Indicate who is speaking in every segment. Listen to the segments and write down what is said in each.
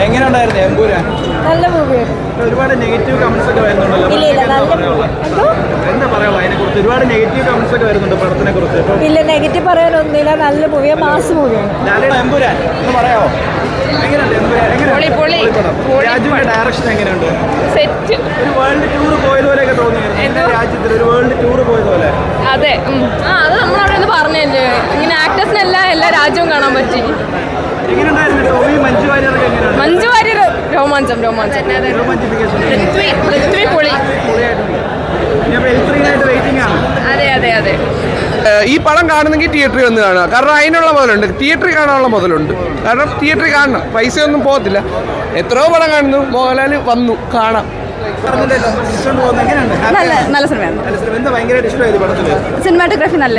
Speaker 1: എങ്ങനെയുണ്ടായിരുന്നു എമ്പുരാൻ?
Speaker 2: നല്ല മൂവിയായിരുന്നു.
Speaker 1: ഒരുപാട് നെഗറ്റീവ് കമന്റ്സ് ഒക്കെ വരുന്നുണ്ടല്ലോ. എന്താ പറയാനുള്ളത് അതിനെ കുറിച്ച്? ഒരുപാട് നെഗറ്റീവ് കമന്റ്സ് ഒക്കെ വരുന്നുണ്ട് പടത്തിനെ കുറിച്ച്.
Speaker 2: ഇല്ല, നെഗറ്റീവ് പറയാനൊന്നുമില്ല. നല്ല മൂവിയാണ്, മാസ് മൂവിയാണ്.
Speaker 1: എമ്പുരാൻ എന്ന് പറയാമോ? എങ്ങനെയുണ്ട് എമ്പുരാൻ? രാജുവിന്റെ ഡയറക്ഷൻ എങ്ങനെയുണ്ട്?
Speaker 3: സെറ്റ്.
Speaker 1: ഒരു വേൾഡ് ടൂർ പോയതുപോലെയൊക്കെ തോന്നിയായിരുന്നു രാജ്യത്തിൽ, ഒരു വേൾഡ് ടൂർ പോയതുപോലെ.
Speaker 3: അതെ, അത് നമ്മളവിടെ നിന്ന് പറഞ്ഞല്ലേ, ഇങ്ങനെ ആക്ടേഴ്സിനെല്ലാം എല്ലാ രാജ്യവും കാണാൻ പറ്റി. മഞ്ജു വാര്യർ രോമാഞ്ചം. പൃഥ്വി പൊളി. അതെ അതെ അതെ.
Speaker 4: ഈ പടം കാണുന്നെങ്കിൽ തിയേറ്ററിൽ വന്ന് കാണുക. കാരണം അതിനുള്ള മുതലുണ്ട്, തിയേറ്ററിൽ കാണാനുള്ള മുതലുണ്ട്. കാരണം തിയേറ്ററിൽ കാണണം, പൈസയൊന്നും പോകത്തില്ല. എത്രയോ പടം കാണുന്നു, മോഹൻലാൽ വന്നു കാണാം.
Speaker 3: നല്ല സിനിമയാണ്. സിനിമാറ്റോഗ്രാഫി നല്ല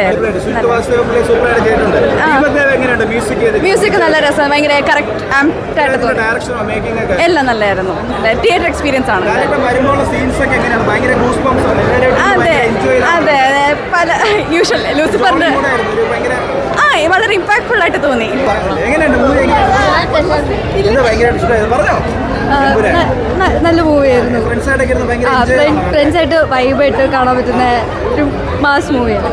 Speaker 3: മ്യൂസിക് നല്ല രസം, ഭയങ്കര കറക്റ്റ് ആയിട്ട് തോന്നി. എല്ലാം നല്ലായിരുന്നു. തിയേറ്റർ എക്സ്പീരിയൻസ് ആണ്. അതെ അതെ, പല യൂഷ്വൽ ലൂസിഫറിന്റെ വളരെ ഇമ്പാക്ട്ഫുൾ ആയിട്ട് തോന്നി. നല്ല മൂവിയായിരുന്നു. ഫ്രണ്ട്സായിട്ട് വൈബായിട്ട് കാണാൻ പറ്റുന്ന ഒരു മാസ് മൂവിയാണ്.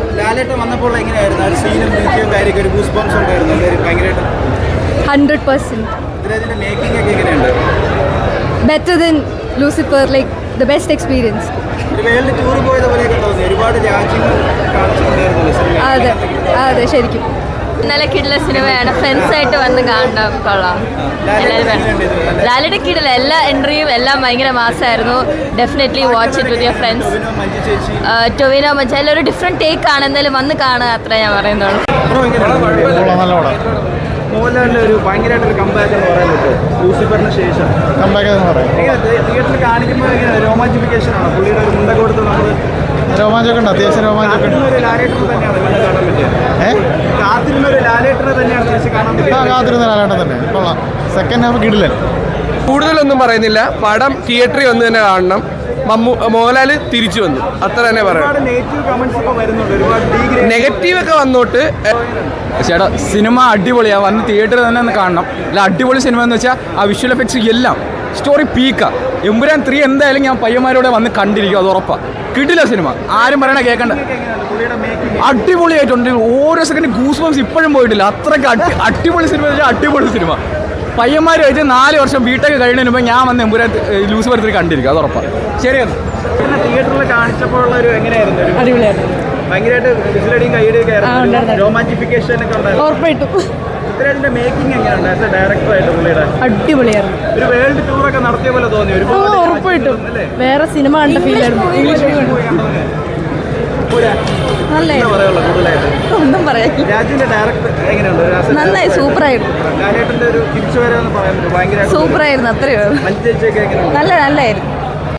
Speaker 3: 100% better than Lucifer, like the best experience. അതെ അതെ, ശരിക്കും നല്ല കിടില സിനിമയാണ്. ഫ്രണ്ട്സായിട്ട് വന്ന് കാണാൻ കൊള്ളാം. ലാലിയുടെ കിടില എല്ലാ എൻട്രിയും എല്ലാം ഭയങ്കര മാസമായിരുന്നു. Definitely watch it with your friends. Tovino Manju എല്ലാം ഒരു ഡിഫറെൻറ്റ് ടേക്ക് ആണ്. എന്തായാലും വന്ന് കാണുക, അത്ര ഞാൻ പറയുന്നുള്ളൂ.
Speaker 1: മോഹൻലാലിന്റെ ഒരു ഭയങ്കരമായിട്ടൊരു കമ്പാക്ക് എന്ന് പറയാൻ പറ്റുമോ ലൂസിഫറിന് ശേഷം? തിയേറ്ററിൽ കാണിക്കുമ്പോൾ രോമാഞ്ചിഫിക്കേഷൻ ആണ്. പുള്ളിയുടെ ഒരു മുണ്ട കൊടുത്ത് നമ്മൾ
Speaker 5: രോമാഞ്ചൊക്കെ ഉണ്ട്, അത്യാവശ്യം രോമാഞ്ചൊക്കെ ഉണ്ട്.
Speaker 1: ലാലേട്ടർ തന്നെയാണ് കാണാൻ പറ്റിയത്. കാത്തിരുന്ന ഒരു ലാലേട്ടറെ തന്നെയാണ് തിരിച്ച് കാണാൻ പറ്റിയത്.
Speaker 5: കാത്തിരുന്ന ലാലേട്ടൻ തന്നെ കൊള്ളാം. സെക്കൻഡ് ഹാഫ് കിടിലൻ.
Speaker 4: കൂടുതലൊന്നും പറയുന്നില്ല, പടം തിയേറ്ററിൽ വന്ന് തന്നെ കാണണം. മോഹൻലാൽ തിരിച്ചു വന്നു, അത്ര തന്നെ പറയാം. നെഗറ്റീവ് ഒക്കെ വന്നോട്ട്
Speaker 6: ചേട്ടാ, സിനിമ അടിപൊളിയാണ്. വന്ന് തിയേറ്ററിൽ തന്നെ ഒന്ന് കാണണം. അല്ല, അടിപൊളി സിനിമ എന്ന് വെച്ചാൽ ആ വിഷ്വൽ എഫക്ട്സ് എല്ലാം സ്റ്റോറി പീക്കാണ്. എമ്പുരാൻ 3 എന്തായാലും ഞാൻ പയ്യന്മാരോടെ വന്ന് കണ്ടിരിക്കും, അത് ഉറപ്പാണ്. കിടില സിനിമ, ആരും പറയണ കേൾക്കണ്ട. അടിപൊളിയായിട്ടുണ്ട്. ഓരോ സെക്കൻഡ് ഗൂസ് ബംസ് ഇപ്പോഴും പോയിട്ടില്ല. അത്രയ്ക്ക് അടിപൊളി സിനിമ വെച്ചാൽ അടിപൊളി സിനിമ. പയ്യന്മാരുമായിട്ട് 4 വർഷം ബിടെക് കഴിയുന്നതിന് മുമ്പ് ഞാൻ വന്ന് എമ്പുരാൻ ലൂസിഫർ 3 കണ്ടിരിക്കും, അത് ഉറപ്പാണ്. ശരിയാണ്.
Speaker 1: തിയേറ്ററിൽ കാണിച്ചപ്പോഴുള്ള ഒരു എങ്ങനെയായിരുന്നു?
Speaker 2: അടിപൊളിയായിരുന്നു.
Speaker 1: ഭയങ്കരമായിട്ട് വിസിലടിയും കൈയടിയൊക്കെ ആയിരുന്നു. രോമാഞ്ചിഫിക്കേഷൻ ഒക്കെ ഉണ്ടായിരുന്നു.
Speaker 2: ഉറപ്പായിട്ടും.
Speaker 1: പൃഥ്വിരാജിന്റെ മേക്കിംഗ് എങ്ങനെയുണ്ട് ആസ് എ ഡയറക്ടറായിട്ട്? പുള്ളിയുടെ
Speaker 2: അടിപൊളിയായിരുന്നു.
Speaker 1: ഒരു വേൾഡ് ടൂറൊക്കെ നടത്തിയ പോലെ തോന്നി.
Speaker 2: ഉറപ്പായിട്ടും വേറെ സിനിമ കണ്ട ഫീലായിരുന്നു. ഒന്നും പറയാം.
Speaker 1: രാജുവിന്റെ ഡയറക്ടർ എങ്ങനെയുണ്ട്?
Speaker 2: നന്നായി, സൂപ്പറായിരുന്നു.
Speaker 1: ലാലേട്ടന്റെ ഒരു തിരിച്ചുവരവെന്ന് പറയാൻ പറ്റും. ഭയങ്കര
Speaker 2: സൂപ്പറായിരുന്നു. അത്രയോ
Speaker 1: മഞ്ജു ചേച്ചിയൊക്കെ എങ്ങനെയുണ്ട്?
Speaker 2: നല്ലായിരുന്നു.